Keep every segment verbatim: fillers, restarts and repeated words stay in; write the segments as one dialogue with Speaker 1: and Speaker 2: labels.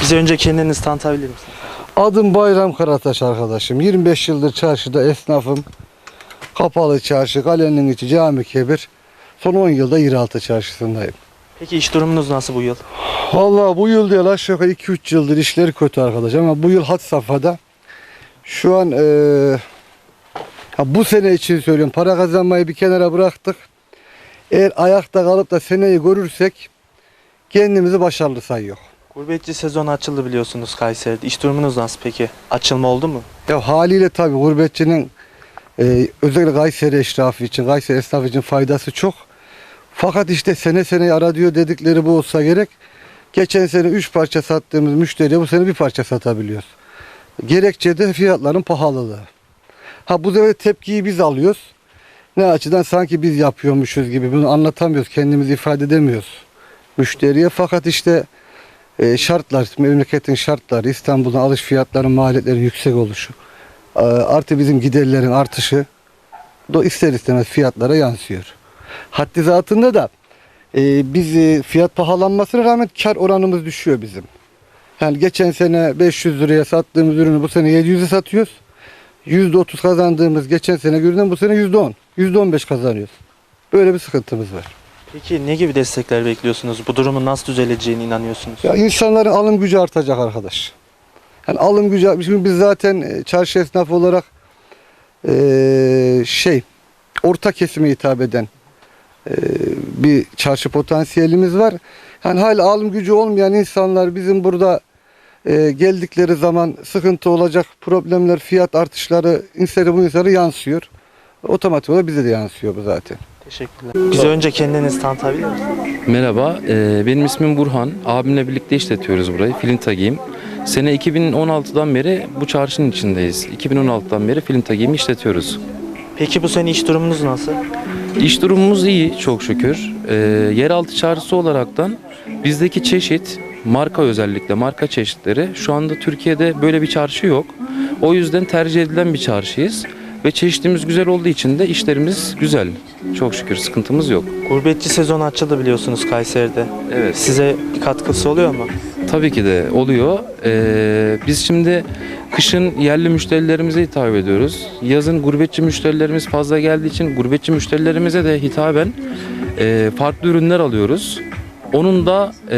Speaker 1: Bize önce kendinizi tanıtabilir misiniz?
Speaker 2: Adım Bayram Karataş arkadaşım. yirmi beş yıldır çarşıda esnafım. Kapalı çarşı, kalenin içi, cami kebir. Son on yılda yeraltı çarşısındayım.
Speaker 1: Peki iş durumunuz nasıl bu yıl?
Speaker 2: Vallahi bu yıl değil, aşağı yukarı iki üç yıldır işleri kötü arkadaş, ama bu yıl had safhada. Şu an eee, ha bu sene için söylüyorum, para kazanmayı bir kenara bıraktık. Eğer ayakta kalıp da seneyi görürsek kendimizi başarılı sayıyor.
Speaker 1: Gurbetçi sezonu açıldı biliyorsunuz Kayseri'de. İş durumunuz nasıl peki? Açılma oldu mu?
Speaker 2: Ya haliyle tabii gurbetçinin e, özellikle Kayseri eşrafı için, Kayseri esnafı için faydası çok. Fakat işte sene sene ara diyor dedikleri bu olsa gerek. Geçen sene üç parça sattığımız müşteriye bu sene bir parça satabiliyoruz. Gerekçe de fiyatların pahalılığı. Ha bu sefer tepkiyi biz alıyoruz. Ne açıdan? Sanki biz yapıyormuşuz gibi. Bunu anlatamıyoruz, kendimizi ifade edemiyoruz müşteriye. Fakat işte e, şartlar, memleketin şartları, İstanbul'un alış fiyatlarının, maliyetlerin yüksek oluşu, e, artı bizim giderlerin artışı da ister istemez fiyatlara yansıyor. Haddi zatında da e, biz e, fiyat pahalanmasına rağmen kar oranımız düşüyor bizim. Yani geçen sene beş yüz liraya sattığımız ürünü bu sene yedi yüze satıyoruz. yüzde otuz kazandığımız geçen sene görünen bu sene yüzde on, yüzde on beş kazanıyoruz. Böyle bir sıkıntımız var.
Speaker 1: Peki ne gibi destekler bekliyorsunuz? Bu durumun nasıl düzeleceğine inanıyorsunuz?
Speaker 2: Ya insanların alım gücü artacak arkadaş. Yani alım gücü, şimdi biz zaten e, çarşı esnafı olarak e, şey, orta kesime hitap eden e, bir çarşı potansiyelimiz var. Yani hala alım gücü olmayan insanlar bizim burada e, geldikleri zaman sıkıntı olacak, problemler, fiyat artışları insana bu insana yansıyor. Otomatik olarak bize de yansıyor bu zaten.
Speaker 1: Teşekkürler. Bize önce kendinizi tanıtabilir misiniz?
Speaker 3: Merhaba, e, benim ismim Burhan. Abimle birlikte işletiyoruz burayı. Filintagiyim. Sene iki bin on altıdan beri bu çarşının içindeyiz. iki bin on altıdan beri Filintagiyimi işletiyoruz.
Speaker 1: Peki bu sene iş durumunuz nasıl?
Speaker 3: İş durumumuz iyi çok şükür. E, yeraltı çarşısı olaraktan bizdeki çeşit, marka özellikle marka çeşitleri şu anda Türkiye'de böyle bir çarşı yok. O yüzden tercih edilen bir çarşıyız. Ve çeşitimiz güzel olduğu için de işlerimiz güzel. Çok şükür sıkıntımız yok.
Speaker 1: Gurbetçi sezonu açıldı biliyorsunuz Kayseri'de.
Speaker 3: Evet.
Speaker 1: Size bir katkısı oluyor mu?
Speaker 3: Tabii ki de oluyor. Ee, biz şimdi kışın yerli müşterilerimize hitap ediyoruz. Yazın gurbetçi müşterilerimiz fazla geldiği için gurbetçi müşterilerimize de hitaben e, farklı ürünler alıyoruz. Onun da e,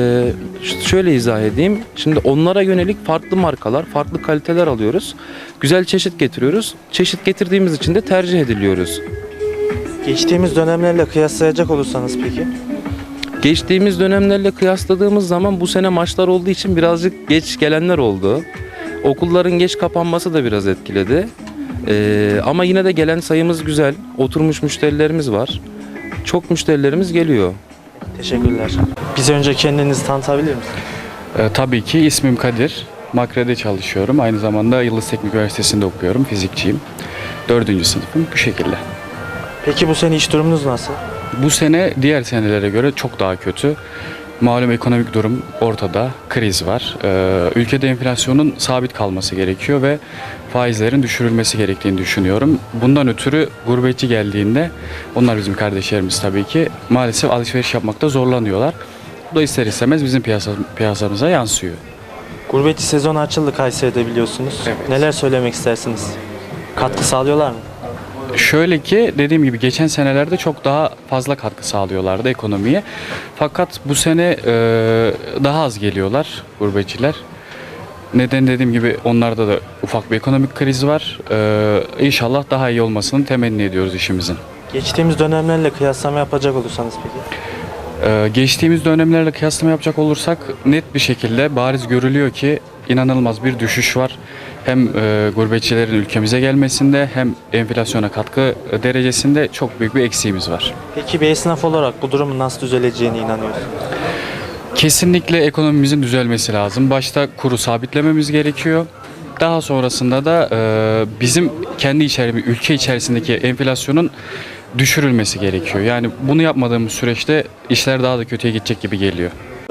Speaker 3: şöyle izah edeyim. Şimdi onlara yönelik farklı markalar, farklı kaliteler alıyoruz. Güzel çeşit getiriyoruz. Çeşit getirdiğimiz için de tercih ediliyoruz.
Speaker 1: Geçtiğimiz dönemlerle kıyaslayacak olursanız peki?
Speaker 3: Geçtiğimiz dönemlerle kıyasladığımız zaman bu sene maçlar olduğu için birazcık geç gelenler oldu. Okulların geç kapanması da biraz etkiledi. Ee, ama yine de gelen sayımız güzel. Oturmuş müşterilerimiz var. Çok müşterilerimiz geliyor.
Speaker 1: Teşekkürler. Bize önce kendinizi tanıtabilir misiniz?
Speaker 4: Ee, tabii ki ismim Kadir. Makre'de çalışıyorum. Aynı zamanda Yıldız Teknik Üniversitesi'nde okuyorum. Fizikçiyim. Dördüncü sınıfım bu şekilde.
Speaker 1: Peki bu sene iş durumunuz nasıl?
Speaker 4: Bu sene diğer senelere göre çok daha kötü. Malum ekonomik durum ortada. Kriz var. Ee, ülkede enflasyonun sabit kalması gerekiyor ve faizlerin düşürülmesi gerektiğini düşünüyorum. Bundan ötürü gurbetçi geldiğinde, onlar bizim kardeşlerimiz tabii ki, maalesef alışveriş yapmakta zorlanıyorlar. Bu da ister istemez bizim piyasa, piyasamıza yansıyor.
Speaker 1: Gurbetçi sezonu açıldı Kayseri'de biliyorsunuz.
Speaker 4: Evet.
Speaker 1: Neler söylemek istersiniz? Katkı sağlıyorlar mı?
Speaker 4: Şöyle ki, dediğim gibi geçen senelerde çok daha fazla katkı sağlıyorlardı ekonomiye. Fakat bu sene e, daha az geliyorlar gurbetçiler. Neden dediğim gibi onlarda da ufak bir ekonomik kriz var. E, İnşallah daha iyi olmasını temenni ediyoruz işimizin.
Speaker 1: Geçtiğimiz dönemlerle kıyaslama yapacak olursanız peki?
Speaker 4: Ee, geçtiğimiz dönemlerle kıyaslama yapacak olursak net bir şekilde bariz görülüyor ki inanılmaz bir düşüş var. Hem e, gurbetçilerin ülkemize gelmesinde hem enflasyona katkı derecesinde çok büyük bir eksiğimiz var.
Speaker 1: Peki bir esnaf olarak bu durumun nasıl düzeleceğine inanıyorsunuz?
Speaker 4: Kesinlikle ekonomimizin düzelmesi lazım. Başta kuru sabitlememiz gerekiyor. Daha sonrasında da e, bizim kendi içerimiz, ülke içerisindeki enflasyonun düşürülmesi gerekiyor. Yani bunu yapmadığımız süreçte işler daha da kötüye gidecek gibi geliyor.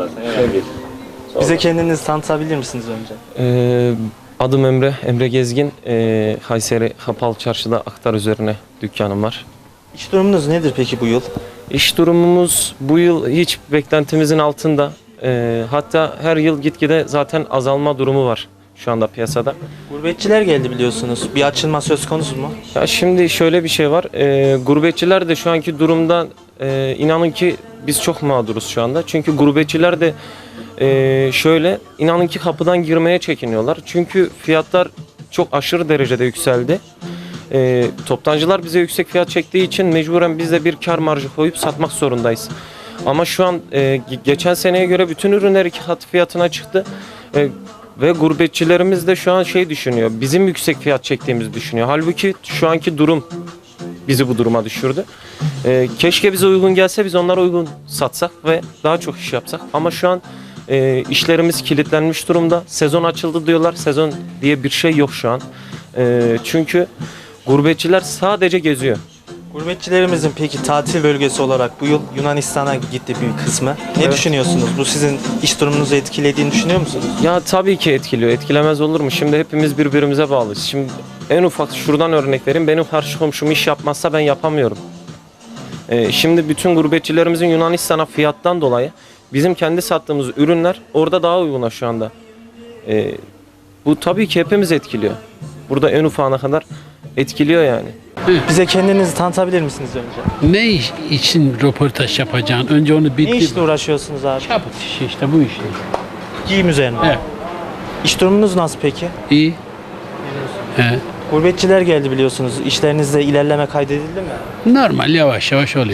Speaker 1: Bize kendinizi tanıtabilir misiniz önce?
Speaker 5: Ee, adım Emre, Emre Gezgin. Ee, Kayseri Kapalı Çarşı'da aktar üzerine dükkanım var.
Speaker 1: İş durumunuz nedir peki bu yıl?
Speaker 5: İş durumumuz bu yıl hiç beklentimizin altında. E, hatta her yıl gitgide zaten azalma durumu var şu anda piyasada.
Speaker 1: Gurbetçiler geldi biliyorsunuz. Bir açılma söz konusu mu?
Speaker 5: Ya şimdi şöyle bir şey var. E, gurbetçiler de şu anki durumda e, inanın ki biz çok mağduruz şu anda. Çünkü gurbetçiler de e, şöyle inanın ki kapıdan girmeye çekiniyorlar. Çünkü fiyatlar çok aşırı derecede yükseldi. E, toptancılar bize yüksek fiyat çektiği için mecburen biz de bir kar marjı koyup satmak zorundayız. Ama şu an e, geçen seneye göre bütün ürünler iki kat fiyatına çıktı. E, Ve gurbetçilerimiz de şu an şey düşünüyor. Bizim yüksek fiyat çektiğimizi düşünüyor. Halbuki şu anki durum bizi bu duruma düşürdü. Ee, keşke bize uygun gelse biz onlara uygun satsak ve daha çok iş yapsak. Ama şu an e, işlerimiz kilitlenmiş durumda. Sezon açıldı diyorlar. Sezon diye bir şey yok şu an. E, çünkü gurbetçiler sadece geziyor.
Speaker 1: Gurbetçilerimizin peki tatil bölgesi olarak bu yıl Yunanistan'a gitti bir kısmı. Ne
Speaker 5: Evet.
Speaker 1: düşünüyorsunuz? Bu sizin iş durumunuzu etkilediğini düşünüyor musunuz?
Speaker 5: Ya tabii ki etkiliyor. Etkilemez olur mu? Şimdi hepimiz birbirimize bağlıyız. Şimdi en ufak şuradan örnek vereyim. Benim karşı komşum iş yapmazsa ben yapamıyorum. Ee, şimdi bütün gurbetçilerimizin Yunanistan'a fiyattan dolayı bizim kendi sattığımız ürünler orada daha uyguna şu anda. Ee, bu tabii ki hepimiz etkiliyor. Burada en ufağına kadar etkiliyor yani.
Speaker 1: Bize kendinizi tanıtabilir misiniz önce?
Speaker 6: Ne iş için röportaj yapacaksın? Önce onu bir
Speaker 1: Ne işle uğraşıyorsunuz abi?
Speaker 6: çabuk işi işte bu işte.
Speaker 1: Giyim üzerine.
Speaker 6: Evet.
Speaker 1: İş durumunuz nasıl peki?
Speaker 6: İyi. He.
Speaker 1: Gurbetçiler geldi biliyorsunuz. İşlerinizde ilerleme kaydedildi mi?
Speaker 6: Normal yavaş yavaş oluyor.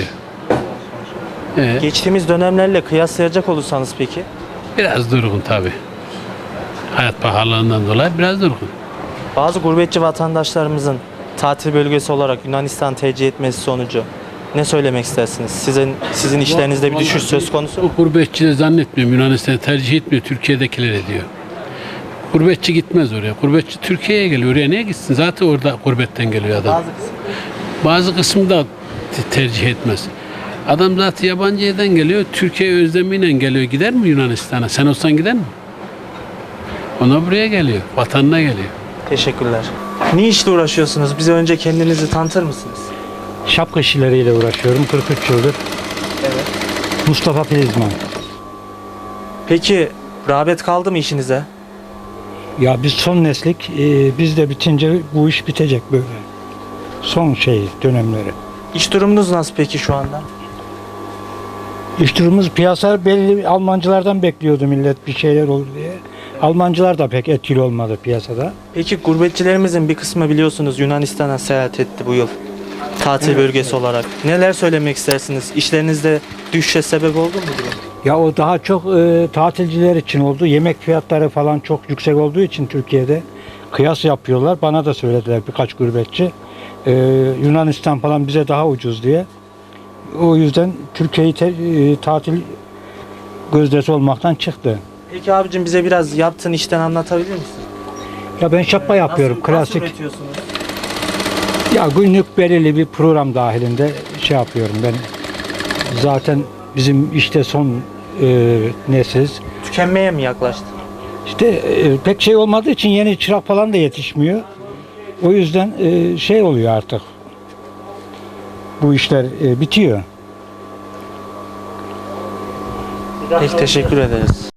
Speaker 6: He.
Speaker 1: Geçtiğimiz dönemlerle kıyaslayacak olursanız peki?
Speaker 6: Biraz durgun tabi. Hayat pahalılığından dolayı biraz durgun.
Speaker 1: Bazı gurbetçi vatandaşlarımızın tatil bölgesi olarak Yunanistan tercih etmesi sonucu ne söylemek istersiniz? Sizin sizin işlerinizde bir düşüş söz konusu mu?
Speaker 6: O gurbetçi de zannetmiyorum Yunanistan'ı tercih etmiyor. Türkiye'dekiler ediyor. Gurbetçi gitmez oraya. Gurbetçi Türkiye'ye geliyor. Oraya niye gitsin? Zaten orada gurbetten geliyor adam.
Speaker 1: Bazı kısım.
Speaker 6: Bazı kısmı da te- tercih etmez. Adam zaten yabancı yerden geliyor. Türkiye özlemiyle geliyor. Gider mi Yunanistan'a? Sen olsan gider mi? Ona buraya geliyor. Vatanına geliyor.
Speaker 1: Teşekkürler. Ne işle uğraşıyorsunuz? Bize önce kendinizi tanıtır mısınız?
Speaker 7: Şapka işleriyle uğraşıyorum kırk üç yıldır.
Speaker 1: Evet.
Speaker 7: Mustafa Filizman.
Speaker 1: Peki rağbet kaldı mı işinize?
Speaker 7: Ya biz son neslik, e, biz de bitince bu iş bitecek böyle. Son şey dönemleri.
Speaker 1: İş durumunuz nasıl peki şu anda?
Speaker 7: İş durumumuz piyasa belli Almancılardan bekliyordu millet bir şeyler olur diye. Almancılar da pek etkili olmadı piyasada.
Speaker 1: Peki gurbetçilerimizin bir kısmı biliyorsunuz Yunanistan'a seyahat etti bu yıl. Tatil bölgesi olarak. Neler söylemek istersiniz? İşlerinizde düşüşe sebep oldu mu bu durum?
Speaker 7: Ya o daha çok e, tatilciler için oldu. Yemek fiyatları falan çok yüksek olduğu için Türkiye'de kıyas yapıyorlar. Bana da söylediler birkaç gurbetçi. E, Yunanistan falan bize daha ucuz diye. O yüzden Türkiye'yi te- e, tatil gözdesi olmaktan çıktı.
Speaker 1: Peki abicim bize biraz yaptığın işten anlatabilir misin?
Speaker 7: Ya ben şapka yapıyorum
Speaker 1: Nasıl,
Speaker 7: klasik.
Speaker 1: Nasıl üretiyorsunuz?
Speaker 7: Ya günlük belirli bir program dahilinde şey yapıyorum ben. Zaten bizim işte son e, nesiliz.
Speaker 1: Tükenmeye mi yaklaştı?
Speaker 7: İşte e, pek şey olmadığı için yeni çırak falan da yetişmiyor. O yüzden e, şey oluyor artık. Bu işler e, bitiyor.
Speaker 1: Peki teşekkür ederiz.